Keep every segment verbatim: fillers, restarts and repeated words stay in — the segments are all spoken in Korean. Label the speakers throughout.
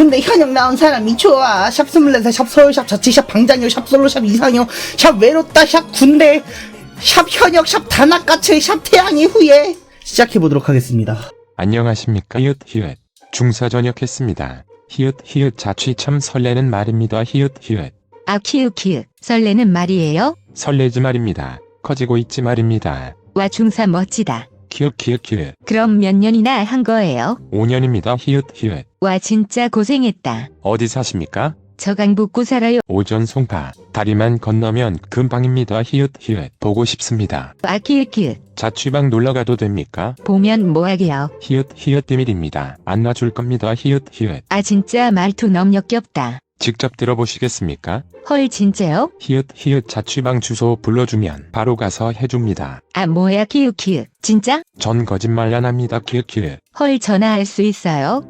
Speaker 1: 근데 현역 나온 사람이 좋아. 샵 스물네, 샵 서울, 샵 자취, 샵 방장용, 샵 솔로, 샵 이상형, 샵 외롭다, 샵 군대, 샵 현역, 샵 단아까츠, 샵 태양의 후예. 시작해보도록 하겠습니다.
Speaker 2: 안녕하십니까. 히읗 히읗 중사 전역했습니다. 히읗 히읗 자취 참 설레는 말입니다. 히읗 히읗
Speaker 3: 아 키읔 키읔 설레는 말이에요?
Speaker 2: 설레지 말입니다. 커지고 있지 말입니다.
Speaker 3: 와 중사 멋지다.
Speaker 2: 키읔 키읔 키읔
Speaker 3: 그럼 몇 년이나 한 거예요?
Speaker 2: 오 년입니다. 히읗 히읗
Speaker 3: 와 진짜 고생했다.
Speaker 2: 어디 사십니까?
Speaker 3: 저 강북구 살아요.
Speaker 2: 오전 송파 다리만 건너면 금방입니다. 히읗 히읗 보고 싶습니다.
Speaker 3: 아 키읔 키읔
Speaker 2: 자취방 놀러가도 됩니까?
Speaker 3: 보면 뭐하게요?
Speaker 2: 히읗 히읗 비밀입니다. 안 놔줄 겁니다. 히읗 히읗
Speaker 3: 아 진짜 말투 너무 역겹다.
Speaker 2: 직접 들어보시겠습니까?
Speaker 3: 헐 진짜요?
Speaker 2: 히읗 히읗 자취방 주소 불러주면 바로 가서 해줍니다.
Speaker 3: 아 뭐야 키읔 키읔 진짜?
Speaker 2: 전 거짓말 안 합니다. 키읔 키읔
Speaker 3: 헐 전화할 수 있어요?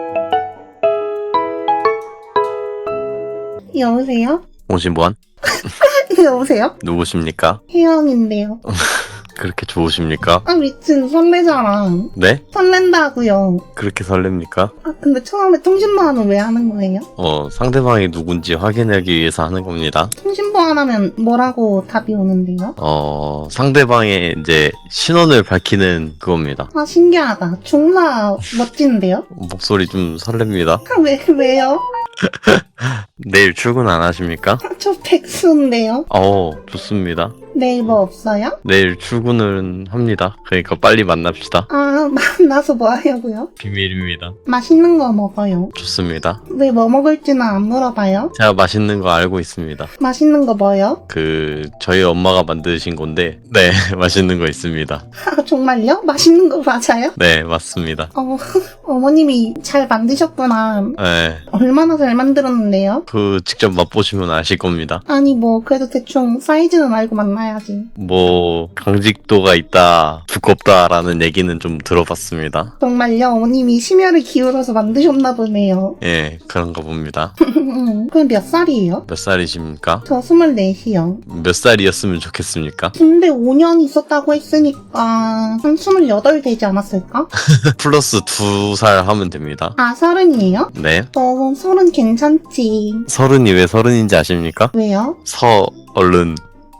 Speaker 1: 여보세요?
Speaker 4: 오십원?
Speaker 1: 여보세요?
Speaker 4: 누구십니까?
Speaker 1: 혜영인데요.
Speaker 4: 그렇게 좋으십니까?
Speaker 1: 아 미친, 설레잖아.
Speaker 4: 네?
Speaker 1: 설렌다고요.
Speaker 4: 그렇게 설렙니까?
Speaker 1: 아 근데 처음에 통신보안은 왜 하는 거예요?
Speaker 4: 어, 상대방이 누군지 확인하기 위해서 하는 겁니다.
Speaker 1: 통신보안 하면 뭐라고 답이 오는데요?
Speaker 4: 어, 상대방의 이제 신원을 밝히는 그겁니다.
Speaker 1: 아 신기하다. 중사 멋진데요?
Speaker 4: 목소리 좀 설렙니다.
Speaker 1: 아 왜, 왜요?
Speaker 4: 내일 출근 안 하십니까?
Speaker 1: 아, 저 백수인데요?
Speaker 4: 어, 좋습니다.
Speaker 1: 내일 뭐 없어요?
Speaker 4: 내일 출근은 합니다. 그러니까 빨리 만납시다.
Speaker 1: 아 만나서 뭐 하려고요?
Speaker 4: 비밀입니다.
Speaker 1: 맛있는 거 먹어요.
Speaker 4: 좋습니다.
Speaker 1: 왜 뭐 먹을지는 안 물어봐요?
Speaker 4: 제가 맛있는 거 알고 있습니다.
Speaker 1: 맛있는 거 뭐요?
Speaker 4: 그, 저희 엄마가 만드신 건데, 네, 맛있는 거 있습니다.
Speaker 1: 아 정말요? 맛있는 거 맞아요?
Speaker 4: 네, 맞습니다.
Speaker 1: 어, 어머님이 잘 만드셨구나.
Speaker 4: 네,
Speaker 1: 얼마나 잘 만들었는데요?
Speaker 4: 그 직접 맛보시면 아실 겁니다.
Speaker 1: 아니 뭐 그래도 대충 사이즈는 알고 만나야지.
Speaker 4: 뭐 강직도가 있다, 두껍다라는 얘기는 좀 들어봤습니다.
Speaker 1: 정말요? 어머님이 심혈을 기울여서 만드셨나 보네요.
Speaker 4: 예, 그런가 봅니다.
Speaker 1: 그럼 몇 살이에요?
Speaker 4: 몇 살이십니까?
Speaker 1: 저 스물넷이요.
Speaker 4: 몇 살이었으면 좋겠습니까?
Speaker 1: 근데 오 년 있었다고 했으니까 한 스물여덟 되지 않았을까?
Speaker 4: 플러스 두 살 하면 됩니다.
Speaker 1: 아 서른이에요?
Speaker 4: 네.
Speaker 1: 저 서른 괜찮지.
Speaker 4: 서른이 왜 서른인지 아십니까?
Speaker 1: 왜요?
Speaker 4: 서, 얼른.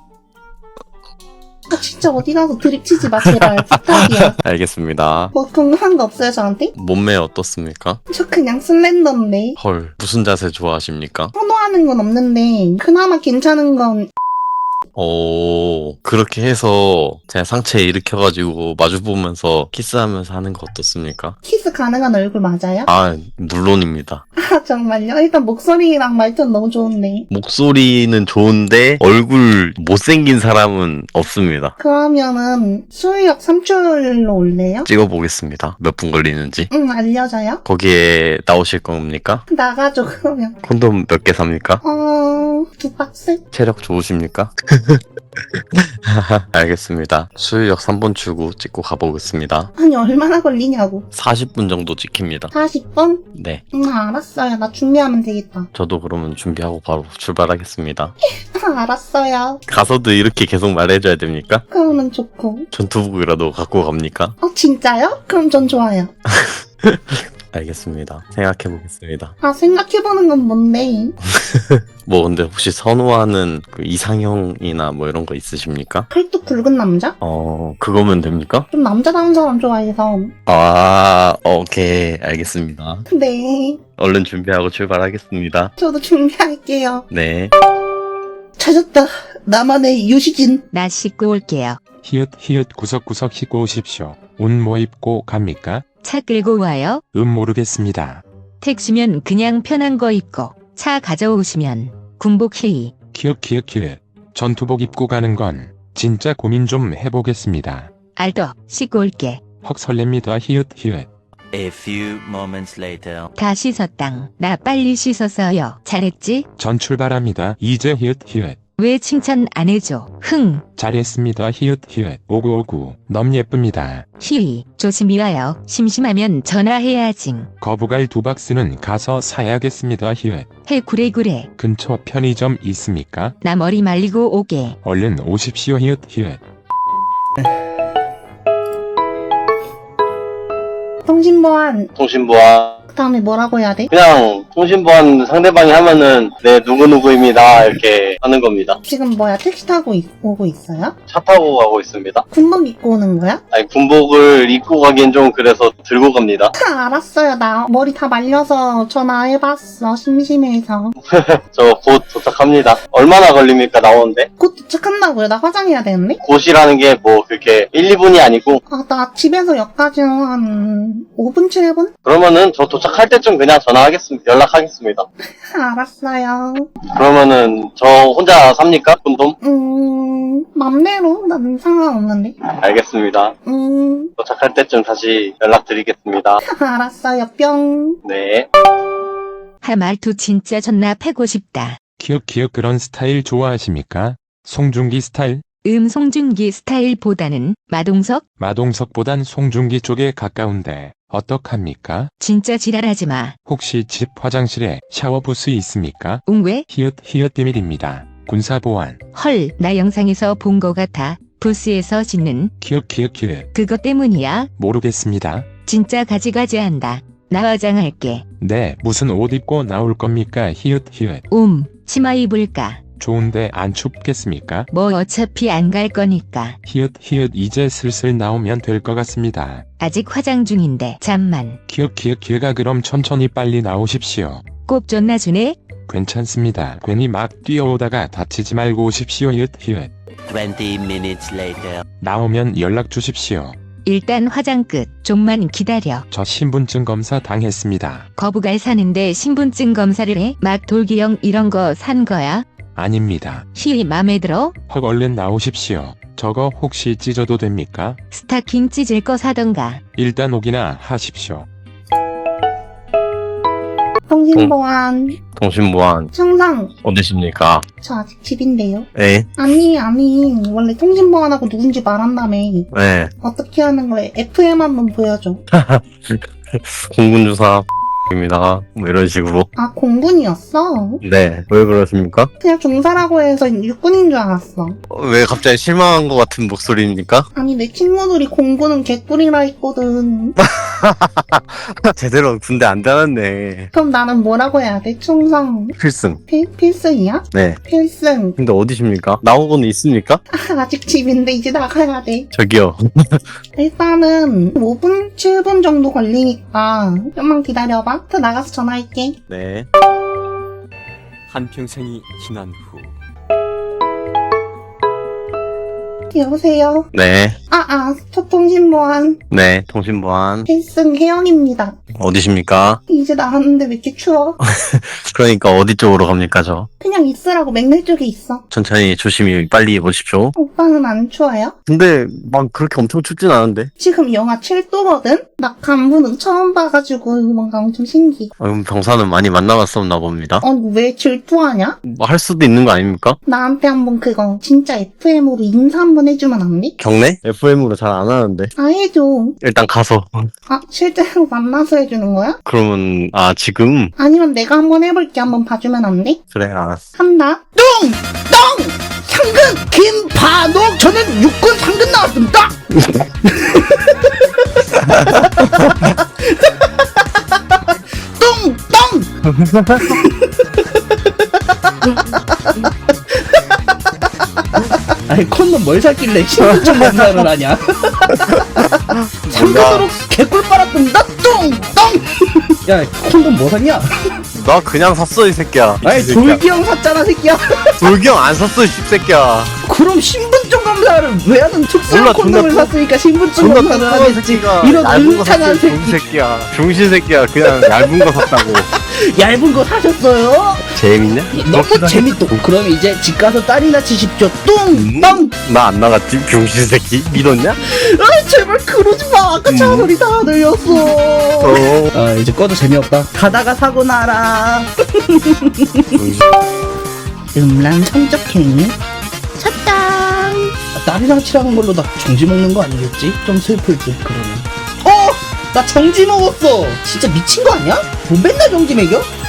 Speaker 1: 아 진짜 어디 가서 드립치지 마 제발. 부탁이야.
Speaker 4: 알겠습니다.
Speaker 1: 뭐 궁금한 거 없어요 저한테?
Speaker 4: 몸매 어떻습니까?
Speaker 1: 저 그냥 슬렌더인데.
Speaker 4: 헐, 무슨 자세 좋아하십니까?
Speaker 1: 선호하는 건 없는데 그나마 괜찮은 건
Speaker 4: 오, 그렇게 해서 제가 상체 일으켜가지고 마주보면서 키스하면서 하는 거 어떻습니까?
Speaker 1: 키스 가능한 얼굴 맞아요?
Speaker 4: 아, 물론입니다.
Speaker 1: 아 정말요? 일단 목소리랑 말투는 너무 좋은데.
Speaker 4: 목소리는 좋은데 얼굴 못생긴 사람은 없습니다.
Speaker 1: 그러면은 수유역 삼 출로 올래요?
Speaker 4: 찍어보겠습니다. 몇 분 걸리는지.
Speaker 1: 응 알려줘요.
Speaker 4: 거기에 나오실 겁니까?
Speaker 1: 나가죠 그러면.
Speaker 4: 콘돔 몇 개 삽니까?
Speaker 1: 어... 두 박스?
Speaker 4: 체력 좋으십니까? 알겠습니다. 수유역 삼 번 출구 찍고 가보겠습니다.
Speaker 1: 아니 얼마나 걸리냐고.
Speaker 4: 사십 분 정도 찍힙니다.
Speaker 1: 사십 분?
Speaker 4: 네.
Speaker 1: 응 알았어요. 나 준비하면 되겠다.
Speaker 4: 저도 그러면 준비하고 바로 출발하겠습니다.
Speaker 1: 아, 알았어요.
Speaker 4: 가서도 이렇게 계속 말해줘야 됩니까?
Speaker 1: 그러면 좋고.
Speaker 4: 전투복이라도 갖고 갑니까?
Speaker 1: 어 진짜요? 그럼 전 좋아요.
Speaker 4: 알겠습니다. 생각해보겠습니다.
Speaker 1: 아 생각해보는 건 뭔데?
Speaker 4: 뭐 근데 혹시 선호하는 그 이상형이나 뭐 이런 거 있으십니까?
Speaker 1: 팔뚝 굵은 남자?
Speaker 4: 어, 그거면 됩니까?
Speaker 1: 좀 남자다운 사람 좋아해서.
Speaker 4: 아, 오케이. 알겠습니다.
Speaker 1: 네.
Speaker 4: 얼른 준비하고 출발하겠습니다.
Speaker 1: 저도 준비할게요.
Speaker 4: 네.
Speaker 1: 찾았다. 나만의 유시진.
Speaker 3: 나 씻고 올게요.
Speaker 2: 히읗 히읗 구석구석 씻고 오십시오. 옷 뭐 입고 갑니까?
Speaker 3: 차 끌고 와요?
Speaker 2: 음 모르겠습니다.
Speaker 3: 택시면 그냥 편한 거 입고 차 가져오시면 군복 회의.
Speaker 2: 키읔 키읔 키읔 전투복 입고 가는 건 진짜 고민 좀 해보겠습니다.
Speaker 3: 알도 씻고 올게.
Speaker 2: 헉 설렙니다. 히읗 히읗
Speaker 5: A few moments later.
Speaker 3: 다 씻었당. 나 빨리 씻었어요. 잘했지?
Speaker 2: 전 출발합니다. 이제 히읗 히읗
Speaker 3: 왜 칭찬 안 해줘? 흥.
Speaker 2: 잘했습니다. 히읗 히읗 오구오구 너무 예쁩니다.
Speaker 3: 히히. 조심히 와요. 심심하면 전화해야지.
Speaker 2: 거부갈 두 박스는 가서 사야겠습니다. 히읗
Speaker 3: 해 그래 그래.
Speaker 2: 근처 편의점 있습니까?
Speaker 3: 나 머리 말리고 오게.
Speaker 2: 얼른 오십시오. 히읗 히읗
Speaker 1: 통신보안.
Speaker 4: 통신보안.
Speaker 1: 그 다음에 뭐라고 해야 돼?
Speaker 6: 그냥 통신보안 상대방이 하면은 네 누구누구입니다 이렇게 하는 겁니다.
Speaker 1: 지금 뭐야 택시 타고 있- 오고 있어요?
Speaker 6: 차 타고 가고 있습니다.
Speaker 1: 군복 입고 오는 거야?
Speaker 6: 아니 군복을 입고 가기엔 좀 그래서 들고 갑니다.
Speaker 1: 아, 알았어요. 나 머리 다 말려서 전화해봤어. 심심해서.
Speaker 6: 저 곧 도착합니다. 얼마나 걸립니까 나오는데?
Speaker 1: 곧 도착한다고요? 나 화장해야 되는데?
Speaker 6: 곧이라는 게 뭐 그렇게 일, 이 분이 아니고
Speaker 1: 아, 나 집에서 역까지 한 오 분, 칠 분?
Speaker 6: 그러면은 저 도착할 때쯤 그냥 전화하겠습니다. 연락하겠습니다.
Speaker 1: 알았어요.
Speaker 6: 그러면은 저 혼자 삽니까? 콘돔?
Speaker 1: 음, 맘대로. 난 상관없는데.
Speaker 6: 알겠습니다.
Speaker 1: 음,
Speaker 6: 도착할 때쯤 다시 연락드리겠습니다.
Speaker 1: 알았어요. 뿅.
Speaker 6: 네.
Speaker 3: 하 말투 진짜 존나 패고 싶다.
Speaker 2: 키읔 키읔 그런 스타일 좋아하십니까? 송중기 스타일?
Speaker 3: 음 송중기 스타일보다는 마동석?
Speaker 2: 마동석보단 송중기 쪽에 가까운데 어떡합니까?
Speaker 3: 진짜 지랄하지 마.
Speaker 2: 혹시 집 화장실에 샤워 부스 있습니까?
Speaker 3: 웅왜?
Speaker 2: 히읗 히읗 비밀입니다. 군사보안.
Speaker 3: 헐, 나 영상에서 본 거 같아. 부스에서 짖는
Speaker 2: 키읔 키읔 키읔.
Speaker 3: 그것 때문이야?
Speaker 2: 모르겠습니다.
Speaker 3: 진짜 가지가지 한다. 나 화장할게.
Speaker 2: 네, 무슨 옷 입고 나올 겁니까? 히읗 히읗.
Speaker 3: 음, 치마 입을까?
Speaker 2: 좋은데 안 춥겠습니까?
Speaker 3: 뭐 어차피 안 갈 거니까.
Speaker 2: 히읗 히읗 이제 슬슬 나오면 될 것 같습니다.
Speaker 3: 아직 화장 중인데 잠만.
Speaker 2: 키읔 키읔 키읔아 그럼 천천히 빨리 나오십시오.
Speaker 3: 꼭 존나 주네?
Speaker 2: 괜찮습니다. 괜히 막 뛰어오다가 다치지 말고 오십시오. 히읗 히읗.
Speaker 5: twenty minutes later.
Speaker 2: 나오면 연락 주십시오.
Speaker 3: 일단 화장 끝. 좀만 기다려.
Speaker 2: 저 신분증 검사 당했습니다.
Speaker 3: 거부갈 사는데 신분증 검사를 해? 막 돌기형 이런 거 산 거야?
Speaker 2: 아닙니다.
Speaker 3: 시위 맘에 들어?
Speaker 2: 헉 얼른 나오십시오. 저거 혹시 찢어도 됩니까?
Speaker 3: 스타킹 찢을 거 사던가.
Speaker 2: 일단 오기나 하십시오.
Speaker 1: 통신보안.
Speaker 6: 통신보안
Speaker 1: 청상.
Speaker 6: 어디십니까?
Speaker 1: 저 아직 집인데요.
Speaker 6: 네.
Speaker 1: 아니, 아니. 원래 통신보안하고 누군지 말한다며.
Speaker 6: 네.
Speaker 1: 어떻게 하는 거예요? 에프엠 한번 보여줘.
Speaker 6: 공군주사 입니다. 뭐 이런 식으로.
Speaker 1: 아, 공군이었어?
Speaker 6: 네. 왜 그러십니까?
Speaker 1: 그냥 종사라고 해서 육군인 줄 알았어.
Speaker 6: 어, 왜 갑자기 실망한 것 같은 목소리입니까?
Speaker 1: 아니, 내 친구들이 공군은 개꿀이라 했거든.
Speaker 6: 제대로 군대 안 다녔네.
Speaker 1: 그럼 나는 뭐라고 해야 돼? 충성.
Speaker 6: 필승.
Speaker 1: 필, 필승이야?
Speaker 6: 네.
Speaker 1: 필승.
Speaker 6: 근데 어디십니까? 나오고는 있습니까?
Speaker 1: 아, 아직 집인데 이제 나가야 돼.
Speaker 6: 저기요.
Speaker 1: 일단은 오 분, 칠 분 정도 걸리니까 좀만 기다려봐. 또 나가서 전화할게.
Speaker 6: 네.
Speaker 7: 한평생이 지난 후
Speaker 1: 여보세요?
Speaker 6: 네.
Speaker 1: 아, 아, 초통신보안
Speaker 6: 네. 통신보안.
Speaker 1: 필승 혜영입니다.
Speaker 6: 어디십니까?
Speaker 1: 이제 나왔는데 왜 이렇게 추워?
Speaker 6: 그러니까 어디 쪽으로 갑니까, 저?
Speaker 1: 그냥 있으라고 맥날 쪽에 있어.
Speaker 6: 천천히 조심히 빨리 오십시오.
Speaker 1: 오빠는 안 추워요?
Speaker 6: 근데 막 그렇게 엄청 춥진 않은데.
Speaker 1: 지금 영하 칠 도거든? 나 간부는 처음 봐가지고 뭔가 엄청 신기해.
Speaker 6: 아, 그럼 병사는 많이 만나봤었나 봅니다.
Speaker 1: 어, 왜 질투하냐?
Speaker 6: 뭐 할 수도 있는 거 아닙니까?
Speaker 1: 나한테 한번 그거 진짜 에프엠으로 인사 한번 해주면 안 돼?
Speaker 6: 경례? 에프엠으로 잘 안 하는데.
Speaker 1: 아, 해줘.
Speaker 6: 일단 가서.
Speaker 1: 아, 실제로 만나서 해주는 거야?
Speaker 6: 그러면 아 지금?
Speaker 1: 아니면 내가 한번 해볼게. 한번 봐주면 안 돼?
Speaker 6: 그래 알았어.
Speaker 1: 한다. 똥! 똥! 상근! 김반옥! 저는 육군 상근 나왔습니다! 똥! 똥! 아니 콘돔 뭘 샀길래 신분증 검사를 하냐? 상근으로 개꿀 빨았습니다! 똥! 똥! 야 콘돔 뭐 샀냐?
Speaker 6: 나 그냥 샀어 이 새끼야.
Speaker 1: 아니 돌기형 샀잖아 새끼야.
Speaker 6: 돌경 안 샀어 이 씹새끼야.
Speaker 1: 그럼 신분증 검사를 왜 하는 특수한
Speaker 6: 몰라,
Speaker 1: 콘돔을
Speaker 6: 존나
Speaker 1: 샀으니까 신분증
Speaker 6: 존나
Speaker 1: 검사를
Speaker 6: 뚱뚱한
Speaker 1: 하겠지.
Speaker 6: 새끼가
Speaker 1: 이런
Speaker 6: 얇은 거
Speaker 1: 울창한
Speaker 6: 샀어 이
Speaker 1: 새끼.
Speaker 6: 새끼야. 중신 새끼야. 그냥 얇은 거 샀다고.
Speaker 1: 얇은 거 사셨어요?
Speaker 6: 재밌냐?
Speaker 1: 너무 재밌다. 그럼 이제 집 가서 딸이나 치십시오. 뚱!
Speaker 6: 음?
Speaker 1: 똥!
Speaker 6: 나 안 나갔지? 병신 새끼 믿었냐?
Speaker 1: 아 제발 그러지 마. 아까 차 소리 다 들렸어.
Speaker 6: 어.
Speaker 1: 아 이제 꺼도 재미없다. 가다가 사고 나라. 음란 성적행위 쳤당. 딸이랑 치라는 걸로 나 정지 먹는 거 아니겠지? 좀 슬플 듯 그러면. 어! 나 정지 먹었어. 진짜 미친 거 아니야? 뭐 맨날 정지 먹여?